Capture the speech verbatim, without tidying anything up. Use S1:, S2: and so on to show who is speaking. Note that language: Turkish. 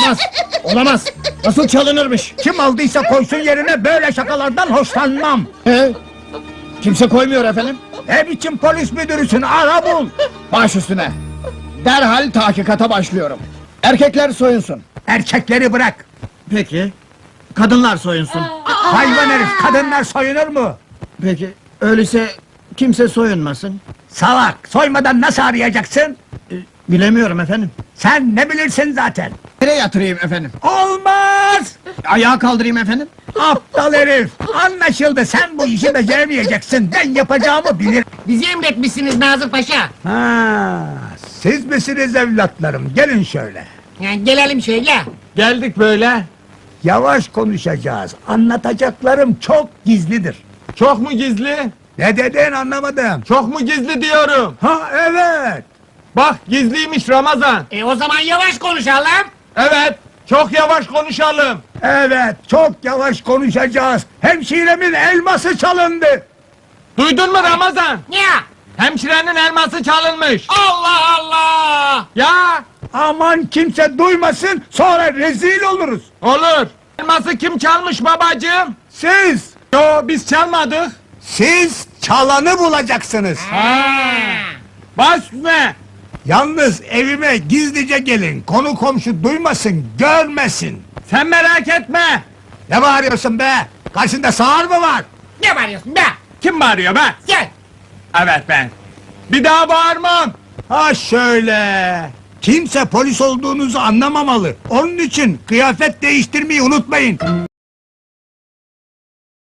S1: Olmaz, olamaz. Nasıl çalınırmış?
S2: Kim aldıysa koysun yerine, böyle şakalardan hoşlanmam.
S1: He? Kimse koymuyor efendim.
S2: Ne biçim polis müdürüsün, ara bul.
S1: Baş üstüne. Derhal tahkikata başlıyorum. Erkekler soyunsun.
S2: Erkekleri bırak.
S1: Peki. Kadınlar soyunsun.
S2: Hayvan herif, kadınlar soyunur mu?
S1: Peki. Öyleyse kimse soyunmasın.
S2: Salak, soymadan nasıl arayacaksın?
S1: Ee, bilemiyorum efendim.
S2: Sen ne bilirsin zaten.
S1: Nereye yatırayım efendim?
S2: Olmaz!
S1: Ayağa kaldırayım efendim.
S2: Aptal herif! Anlaşıldı, sen bu işi beceremeyeceksin. Ben yapacağımı bilirim.
S3: Bizi emretmişsiniz Nazır Paşa.
S2: Ha, siz misiniz evlatlarım? Gelin şöyle.
S3: Yani gelelim şöyle.
S4: Geldik böyle.
S2: Yavaş konuşacağız. Anlatacaklarım çok gizlidir.
S4: Çok mu gizli?
S2: Ne dedin anlamadım.
S4: Çok mu gizli diyorum.
S2: Ha evet.
S4: Bak gizliymiş Ramazan.
S3: E o zaman yavaş konuşalım.
S4: Evet. Çok yavaş konuşalım.
S2: Evet, çok yavaş konuşacağız. Hemşiremin elması çalındı.
S4: Duydun mu Ramazan?
S3: Ne?
S4: Hemşirenin elması çalınmış.
S3: Allah Allah!
S4: Ya
S2: Aman kimse duymasın, sonra rezil oluruz.
S4: olur. Elması kim çalmış babacığım?
S2: Siz,
S4: Yo biz çalmadık.
S2: siz çalanı bulacaksınız.
S4: Baş üstüne.
S2: Yalnız evime gizlice gelin, konu komşu duymasın, görmesin.
S4: Sen merak etme.
S2: Ne bağırıyorsun be? Karşında sağır mı var?
S3: Ne bağırıyorsun be?
S4: Kim bağırıyor be?
S3: Gel!
S4: Evet ben. Bir daha bağırmam.
S2: Ha şöyle. Kimse polis olduğunuzu anlamamalı. Onun için kıyafet değiştirmeyi unutmayın.